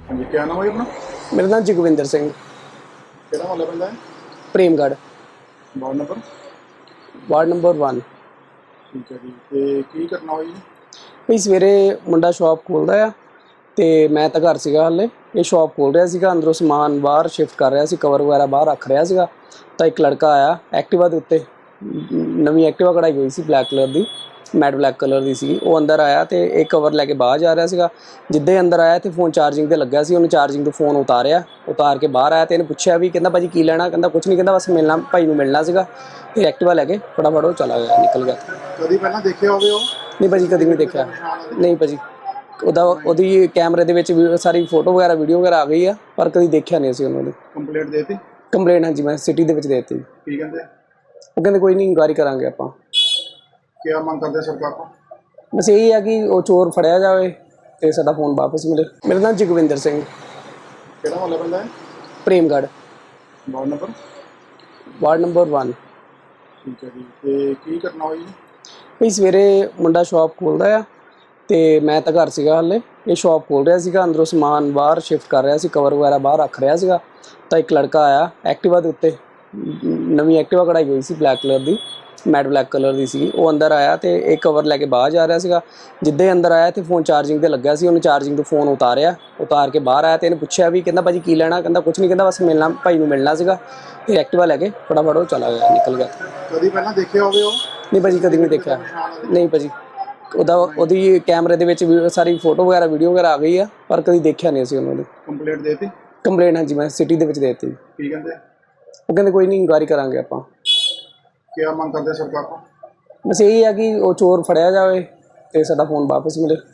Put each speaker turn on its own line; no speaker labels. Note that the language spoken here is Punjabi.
हाँ जी, क्या नाम है अपना?
मेरा नाम जगविंदर सिंह।
ਕਿਹੜਾ ਮਹੱਲਾ ਪੈਂਦਾ ਹੈ?
Premgarh.
Ward number?
Ward number 1।
ਠੀਕ ਹੈ ਜੀ। ਤੇ ਕੀ ਘਟਨਾ ਹੋਈ ਜੀ?
ਵੀ ਸਵੇਰੇ ਮੁੰਡਾ ਸ਼ਾਪ ਖੋਲ੍ਹਦਾ ਆ ਅਤੇ ਮੈਂ ਤਾਂ ਘਰ ਸੀਗਾ ਹਾਲੇ। ਇਹ ਸ਼ਾਪ ਖੋਲ੍ਹ ਰਿਹਾ ਸੀਗਾ, ਅੰਦਰੋਂ ਸਮਾਨ ਬਾਹਰ ਸ਼ਿਫਟ ਕਰ ਰਿਹਾ ਸੀ, ਕਵਰ ਵਗੈਰਾ ਬਾਹਰ ਰੱਖ ਰਿਹਾ ਸੀਗਾ। ਤਾਂ ਇੱਕ ਲੜਕਾ ਆਇਆ ਐਕਟਿਵਾ ਦੇ ਉੱਤੇ, ਨਵੀਂ ਐਕਟਿਵਾ ਕਢਾਈ ਹੋਈ ਸੀ ਬਲੈਕ ਕਲਰ ਦੀ, ਮੈਟ ਬਲੈਕ ਕਲਰ ਦੀ ਸੀ। ਉਹ ਅੰਦਰ ਆਇਆ ਅਤੇ ਇਹ ਕਵਰ ਲੈ ਕੇ ਬਾਹਰ ਜਾ ਰਿਹਾ ਸੀਗਾ। ਜਿੱਦਾਂ ਹੀ ਅੰਦਰ ਆਇਆ ਅਤੇ ਫੋਨ ਚਾਰਜਿੰਗ 'ਤੇ ਲੱਗਿਆ ਸੀ। ਉਹਨੇ ਚਾਰਜਿੰਗ ਤੋਂ ਫੋਨ ਉਤਾਰ ਕੇ ਬਾਹਰ ਆਇਆ ਅਤੇ ਇਹਨੇ ਪੁੱਛਿਆ ਵੀ, ਕਹਿੰਦਾ ਭਾਅ ਜੀ ਕੀ ਲੈਣਾ? ਕਹਿੰਦਾ ਕੁਛ ਨਹੀਂ, ਕਹਿੰਦਾ ਬਸ ਮਿਲਣਾ, ਭਾਈ ਨੂੰ ਮਿਲਣਾ ਸੀਗਾ। ਅਤੇ ਐਕਟਿਵਾ ਲੈ ਕੇ ਫਟਾਫਟ ਉਹ ਚਲਾ ਗਿਆ, ਨਿਕਲ ਗਿਆ।
ਕਦੀ ਪਹਿਲਾਂ ਦੇਖਿਆ ਹੋਵੇ ਉਹ?
ਨਹੀਂ ਭਾਅ ਜੀ, ਕਦੀ ਨਹੀਂ
CCTV ਦਾ
ਦੇਖਿਆ।
ਨਿਸ਼ਾਨ ਉਹਦੇ?
ਨਹੀਂ ਭਾਅ ਜੀ, ਉਹਦੀ ਕੈਮਰੇ ਦੇ ਵਿੱਚ ਵੀ ਸਾਰੀ ਫੋਟੋ ਵਗੈਰਾ ਵੀਡੀਓ ਵਗੈਰਾ ਆ ਗਈ ਆ, ਪਰ ਕਦੀ ਦੇਖਿਆ ਨਹੀਂ ਅਸੀਂ ਉਹਨਾਂ ਨੂੰ।
ਕੰਪਲੇਂਟ ਦੇਤੀ?
ਕੰਪਲੇਂਟ ਹਾਂਜੀ ਮੈਂ ਸਿਟੀ ਦੇ ਵਿੱਚ ਦੇ ਦਿੱਤੀ।
ਕੀ ਕਹਿੰਦੇ?
ਉਹ ਕਹਿੰਦੇ ਕੋਈ ਨਹੀਂ, ਇਨਕੁਆਇਰੀ ਕਰਾਂਗੇ ਆਪਾਂ।
ਕਿਆ ਮੰਗ ਕਰਦੇ ਸਰਕਾਰ ਤੋਂ?
ਬਸ ਇਹੀ ਆ ਕਿ ਉਹ ਚੋਰ ਫੜਿਆ ਜਾਵੇ ਅਤੇ ਸਾਡਾ ਫੋਨ ਵਾਪਸ ਮਿਲੇ। ਮੇਰਾ ਨਾਮ ਜਗਵਿੰਦਰ ਸਿੰਘ।
ਕਿਹੜਾ ਮਹੱਲਾ ਪੈਂਦਾ ਹੈ?
Premgarh.
Ward number?
Ward number 1।
ਠੀਕ ਹੈ ਜੀ। ਤੇ ਕੀ ਘਟਨਾ ਹੋਈ ਜੀ?
ਵੀ ਸਵੇਰੇ ਮੁੰਡਾ ਸ਼ਾਪ ਖੋਲ੍ਹਦਾ ਆ ਅਤੇ ਮੈਂ ਤਾਂ ਘਰ ਸੀਗਾ ਹਾਲੇ। ਇਹ ਸ਼ਾਪ ਖੋਲ੍ਹ ਰਿਹਾ ਸੀਗਾ, ਅੰਦਰੋਂ ਸਮਾਨ ਬਾਹਰ ਸ਼ਿਫਟ ਕਰ ਰਿਹਾ ਸੀ, ਕਵਰ ਵਗੈਰਾ ਬਾਹਰ ਰੱਖ ਰਿਹਾ ਸੀਗਾ। ਤਾਂ ਇੱਕ ਲੜਕਾ ਆਇਆ ਐਕਟਿਵਾ ਦੇ ਉੱਤੇ, ਨਵੀਂ ਐਕਟਿਵਾ ਕਢਾਈ ਹੋਈ ਸੀ ਬਲੈਕ ਕਲਰ ਦੀ, ਮੈਟ ਬਲੈਕ ਕਲਰ ਦੀ ਸੀ। ਉਹ ਅੰਦਰ ਆਇਆ ਅਤੇ ਇਹ ਕਵਰ ਲੈ ਕੇ ਬਾਹਰ ਜਾ ਰਿਹਾ ਸੀਗਾ। ਜਿੱਦਾਂ ਹੀ ਅੰਦਰ ਆਇਆ ਅਤੇ ਫੋਨ ਚਾਰਜਿੰਗ 'ਤੇ ਲੱਗਿਆ ਸੀ। ਉਹਨੇ ਚਾਰਜਿੰਗ ਤੋਂ ਫੋਨ ਉਤਾਰ ਕੇ ਬਾਹਰ ਆਇਆ ਅਤੇ ਇਹਨੇ ਪੁੱਛਿਆ ਵੀ, ਕਹਿੰਦਾ ਭਾਅ ਜੀ ਕੀ ਲੈਣਾ? ਕਹਿੰਦਾ ਕੁਛ ਨਹੀਂ, ਕਹਿੰਦਾ ਬਸ ਮਿਲਣਾ, ਭਾਈ ਨੂੰ ਮਿਲਣਾ ਸੀਗਾ। ਅਤੇ ਐਕਟਿਵਾ ਲੈ ਕੇ ਫਟਾਫਟ ਉਹ ਚਲਾ ਗਿਆ, ਨਿਕਲ ਗਿਆ।
ਕਦੀ ਪਹਿਲਾਂ ਦੇਖਿਆ ਹੋਵੇ ਉਹ?
ਨਹੀਂ ਭਾਅ ਜੀ, ਕਦੀ ਨਹੀਂ ਦੇਖਿਆ। ਨਹੀਂ ਭਾਅ ਜੀ, ਉਹਦੀ ਕੈਮਰੇ ਦੇ ਵਿੱਚ ਵੀ ਸਾਰੀ ਫੋਟੋ ਵਗੈਰਾ ਵੀਡੀਓ ਵਗੈਰਾ ਆ ਗਈ ਆ, ਪਰ ਕਦੀ ਦੇਖਿਆ ਨਹੀਂ ਅਸੀਂ ਉਹਨਾਂ ਨੂੰ।
ਕੰਪਲੇਂਟ ਦੇਤੀ?
ਕੰਪਲੇਂਟ ਹਾਂਜੀ ਮੈਂ ਸਿਟੀ ਦੇ ਵਿੱਚ ਦੇ ਦਿੱਤੀ।
ਕੀ ਕਹਿੰਦੇ?
ਉਹ ਕਹਿੰਦੇ ਕੋਈ ਨਹੀਂ, ਇਨਕੁਆਇਰੀ ਕਰਾਂਗੇ ਆਪਾਂ।
ਕਿਆ ਮੰਗ ਕਰਦੇ ਸਰਕਾਰ ਤੋਂ?
ਬਸ ਇਹੀ ਆ ਕਿ ਉਹ ਚੋਰ ਫੜਿਆ ਜਾਵੇ ਅਤੇ ਸਾਡਾ ਫੋਨ ਵਾਪਸ ਮਿਲੇ।